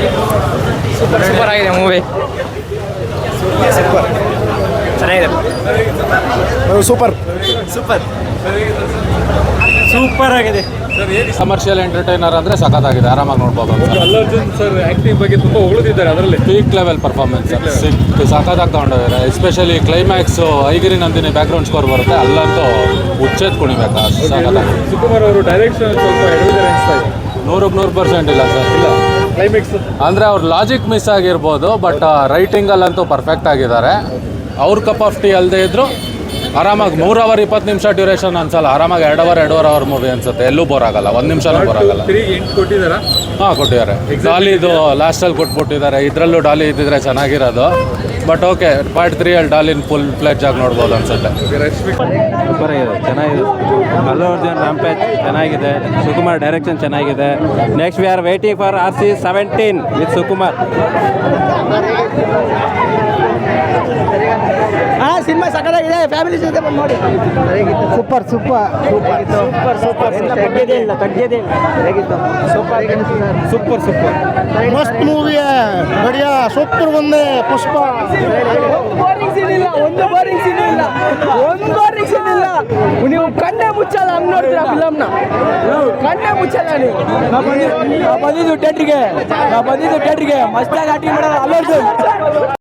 Super ಆಗಿದೆ movie. Super ಚೆನ್ನಾಗಿದೆ. Super super super ಆಗಿದೆ. ಕಮರ್ಷಿಯಲ್ ಎಂಟರ್ಟೈನರ್ ಅಂದರೆ ಸಖತ್ತಾಗಿದೆ, ಆರಾಮಾಗಿ ನೋಡ್ಬೋದು. ಅಲ್ಲು ಅರ್ಜುನ್ ಸರ್ ಆ್ಯಕ್ಟಿಂಗ್ ಬಗ್ಗೆ ತುಂಬ ಹೊಗಳಿದ್ದಾರೆ. ಅದರಲ್ಲಿ ಪೀಕ್ ಲೆವೆಲ್ ಪರ್ಫಾರ್ಮೆನ್ಸ್ ಸಖತ್ತಾಗಿ ತಗೊಂಡಿದ್ದಾರೆ. Especially climax Aigiri Nandini background score ಬರುತ್ತೆ, ಅಲ್ಲಂತೂ ಉಚ್ಚೆತ್ ಕುಣಿಬೇಕು ಅಷ್ಟು ಸಖತ್ತಾಗಿ. ಸುಕುಮಾರ್ ಅವರು ಡೈರೆಕ್ಷನ್ ಸ್ವಲ್ಪ ಎಡವಿದ್ದಾರೆ ಅನಿಸ್ತಾ ಇದೆ. 100% ಇಲ್ಲ ಸರ್. ಇಲ್ಲ ಕ್ಲೈಮ್ಯಾಕ್ಸ್ ಅಂದರೆ ಅವ್ರ ಲಾಜಿಕ್ ಮಿಸ್ ಆಗಿರ್ಬೋದು, ಬಟ್ ರೈಟಿಂಗಲ್ಲಂತೂ ಪರ್ಫೆಕ್ಟ್ ಆಗಿದ್ದಾರೆ. ಅವ್ರ ಕಪ್ ಆಫ್ ಟೀ ಅಲ್ಲದೆ ಇದ್ದರು ಆರಾಮಾಗಿ 3 ಅವರ್ 20 ನಿಮಿಷ ಡ್ಯೂರೇಷನ್ ಅನ್ಸಲ್ಲ, ಆರಾಮಾಗಿ 2 ಅವರ್ ಮೂವಿ ಅನ್ಸುತ್ತೆ. ಎಲ್ಲೂ ಬೋರ್ ಆಗಲ್ಲ, 1 ನಿಮಿಷನೂ ಬೋರ್ ಆಗಲ್ಲ. 8 ಕೊಟ್ಟಿದ್ದಾರಾ? ಹಾಂ ಕೊಟ್ಟಿದ್ದಾರೆ. ಡಾಲಿದು ಲಾಸ್ಟಲ್ಲಿ ಕೊಟ್ಬಿಟ್ಟಿದ್ದಾರೆ. ಇದರಲ್ಲೂ ಡಾಲಿ ಇದ್ದಿದ್ರೆ ಚೆನ್ನಾಗಿರೋದು. ಬಟ್ ಓಕೆ, ಪಾರ್ಟ್ 3 ಅಲ್ಲಿ ಡಾಲಿನ ಫುಲ್ ಫ್ಲೆಡ್ಜ್ ಆಗಿ ನೋಡ್ಬೋದು ಅನ್ಸುತ್ತೆ. ರಶ್ಮಿ ಸೂಪರ್ ಆಗಿದೆ, ಚೆನ್ನಾಗಿದೆ. ಅಲ್ಲು ಅರ್ಜುನ್ ರಾಂಪೇಜ್ ಚೆನ್ನಾಗಿದೆ. ಸುಕುಮಾರ್ ಡೈರೆಕ್ಷನ್ ಚೆನ್ನಾಗಿದೆ. Next we are waiting for RC-17 with Sukumar. Cinema ಸಕಲಾಗಿದೆ, ಫ್ಯಾಮಿಲಿ ಜೊತೆ ಬಂದು ನೋಡಿ. Super super super super super ತಗ್ಗದೇ ಇಲ್ಲ ಸೂಪರ್ ಸೂಪರ್ ಮಸ್ತ್ ಮೂವಿ ಬಡಿಯಾ ಸೂಪರ್. ಒಂದೇ ಪುಷ್ಪ ಬೋರಿಂಗ್ ಸೀನ್ ಇಲ್ಲ, ಒಂದು ಬೋರಿಂಗ್ ಸೀನ್ ಇಲ್ಲ, ಒಂದು ಬೋರಿಂಗ್ ಸೀನ್ ಇಲ್ಲ. ನೀವು ಕಣ್ಣೇ ಮುಚ್ಚಲ್ಲ ಹಂಗ್ ನೋಡ್ತೀರಾ ಫಿಲಮ್ನ, ಕಣ್ಣೇ ಮುಚ್ಚಲ್ಲ ನೀವು. ಬಂದಿದ್ದು ಥಿಯೇಟ್ರಿಗೆ ಮಸ್ತಾಗಿ ಆಟಿಂಗ್ ಮಾಡೋದು ಅಲ್ಲೂ